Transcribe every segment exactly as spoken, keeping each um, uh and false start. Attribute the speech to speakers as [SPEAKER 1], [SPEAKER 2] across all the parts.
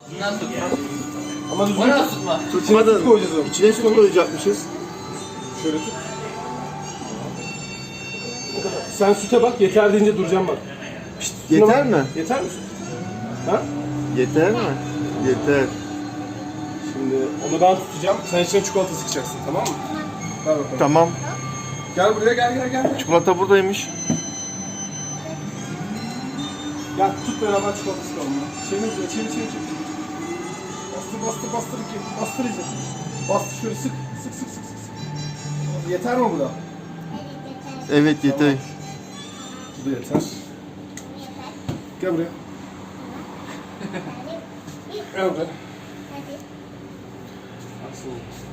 [SPEAKER 1] Bundan tutma.
[SPEAKER 2] Ama düzgün
[SPEAKER 1] Bana
[SPEAKER 2] tut.
[SPEAKER 1] tutma.
[SPEAKER 3] Tutmadın.
[SPEAKER 2] Süt koyacağız onu.
[SPEAKER 3] İçine süt koyacakmışız.
[SPEAKER 2] Şöyle tut. O kadar. Sen süte bak, yeter deyince duracağım bak. Pişt, sütüne
[SPEAKER 3] Yeter
[SPEAKER 2] bak.
[SPEAKER 3] mi?
[SPEAKER 2] Yeter mi süt? Ha?
[SPEAKER 3] Yeter mi? Yeter.
[SPEAKER 2] Şimdi onu ben tutacağım. Sen içine çikolata sıkacaksın, tamam mı? Ver bakalım.
[SPEAKER 3] Tamam.
[SPEAKER 2] Gel buraya, gel gel gel.
[SPEAKER 3] Çikolata buradaymış.
[SPEAKER 2] Gel tut beraber çikolata sıkalım ya. Çevir, çevir, çevir, çevir. Bastır, bastır, bastır iki. Bastır iyice. Bastır şöyle sık, sık, sık, sık, sık. Yeter mi bu da?
[SPEAKER 3] Evet yeter.
[SPEAKER 2] Bu da yeter. Gel buraya. Gel buraya. Aksın.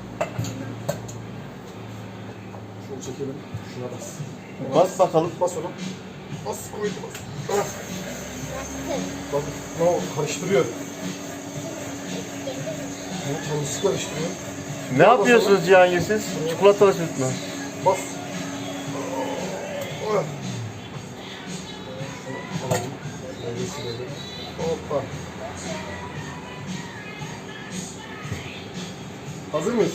[SPEAKER 2] Şunu çekelim. Şuna bas.
[SPEAKER 3] Bas bakalım.
[SPEAKER 2] Bas onu. Bas, koydu bas. Ah. Bak, ne oldu? Karıştırıyor. Yani kendisi karıştırıyor.
[SPEAKER 3] Ne yapıyorsunuz Cihangir siz? Çikolatalı süt mü?
[SPEAKER 2] Bas. Oh. Alalım. Böyle silelim. Hoppa. Hazır mıyız?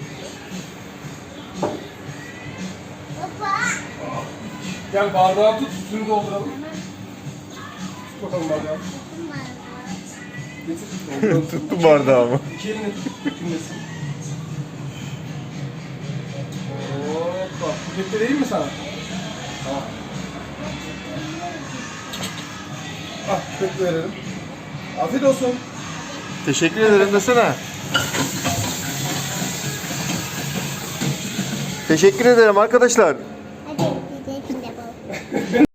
[SPEAKER 2] Gel bardağı tut, sütünü dolduralım. Tut bakalım bardağı. Getir. Dolduralım.
[SPEAKER 3] Tuttum bardağımı.
[SPEAKER 2] İki elini tut, dökülmesin. Hoppa. Bu kepte değil mi sana? Tamam. Ah, kepte verelim. Afiyet olsun.
[SPEAKER 3] Teşekkür ederim desene. Teşekkür ederim arkadaşlar.